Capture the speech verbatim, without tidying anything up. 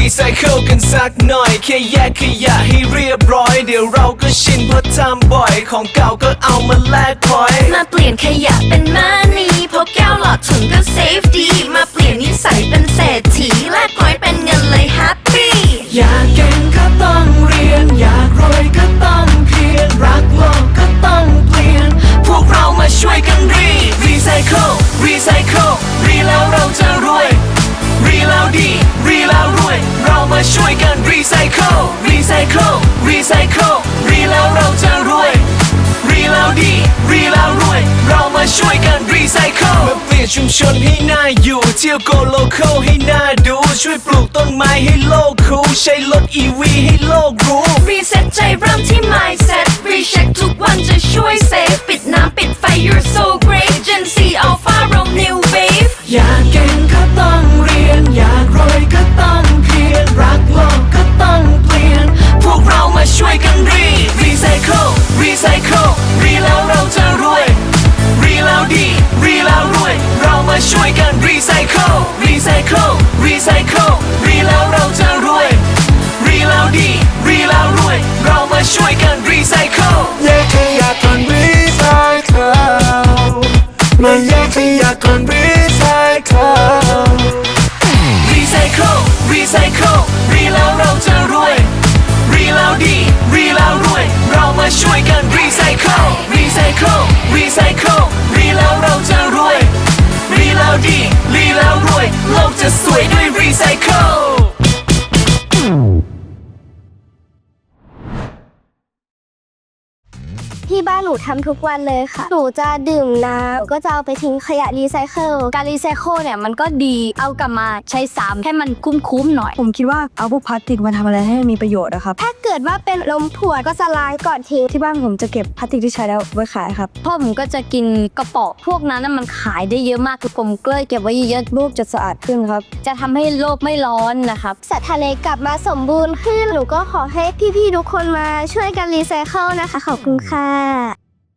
ไซเคิลกันสักหน่อยแค่แยกขยะให้เรียบร้อยเดี๋ยวเราก็ชินเพราะทำบ่อยของเก่าก็เอามาแลกพอยมาเปลี่ยนขยะเป็นมานีพกแก้วหลอดถุงก็เซฟดีมาเปลี่ยนนิสัยเป็นเศรษฐีแลกพอยเป็นเงินเลยแฮปปี้อยากเก่งก็ต้องเรียนอยากรวยก็ต้องเพียรรักโลกก็ต้องเปลี่ยนพวกเรามาช่วยกันรีรีไซเคิลรีไซเคิลรีแล้วเราจะรวยรีแล้วดีรีแล้วรวยเรามาช่วยกันรีไซเคิลรีไซเคิลรีไซเคิลรีแล้วเราจะรวยรีแล้วดีรีแล้วรวยเรามาช่วยกันรีไซเคิลมาเปลี่ยนชุมชนให้น่าอยู่เที่ยวโกโลคอลให้น่าดูช่วยปลูกต้นไม้ให้โลกคูลใช้รถ อี วี ให้โลกรู้รีเซ็ตใจเริ่มที่ mindset รีเช็คทุกวันจะช่วยเซฟปิดน้ำปิดไฟ you're so great Gen Z Alpha Rome New Wave อยากเก่งก็ต้องเรียนอยากรวยก็ต้องเพียรรักโลกก็ต้องเปลี่ยนพวกเรามาช่วยกันรีรีไซเคิลรีไซเคิลรีแล้วเราจะรวยรีแล้วดีรีแล้วรวยเรามาช่วยกันรีไซเคิลรีไซเคิลรีไซเคิลรีแล้วเราจะรวยรีแล้วดีรีแล้วรวยเรามาช่วยกันรีไซเคิลแยกขยะก่อนรีไซเคิลมาแยกขยะก่อนรีไซเคิลรีไซเคิลรีไซเคิลรีแล้วเราจะรวยรีแล้วดีรีแล้วรวยเรามาช่วยกันรีไซเคิลรีไซเคิลรีไซเคิลรีแล้วเราจะรวยรีแล้วดีรีแล้วรวยโลกจะสวยด้วยรีไซเคิลที่บ้านหนูทำทุกวันเลยค่ะหนูจะดื่มน้ำก็จะเอาไปทิ้งขยะรีไซเคิลการรีไซเคิลเนี่ยมันก็ดีเอากลับมาใช้ซ้ำให้มันคุ้มๆหน่อยผมคิดว่าเอาพวกพลาสติกมาทำอะไรให้มันมีประโยชน์นะครับถ้าเกิดว่าเป็นลมขวดก็จะล้างก่อนทิ้งที่บ้านผมจะเก็บพลาสติกที่ใช้แล้วไว้ขายครับพ่อผมก็จะกินกระป๋องพวกนั้นมันขายได้เยอะมากคือผมก็เลยเก็บไว้เยอะโลกจะสะอาดขึ้นครับจะทำให้โลกไม่ร้อนนะครับสัตว์ทะเลกลับมาสมบูรณ์ขึ้นหนูก็ขอให้พี่ๆทุกคนมาช่วยกันรีไซเคิลนะคะขอบคุณค่ะ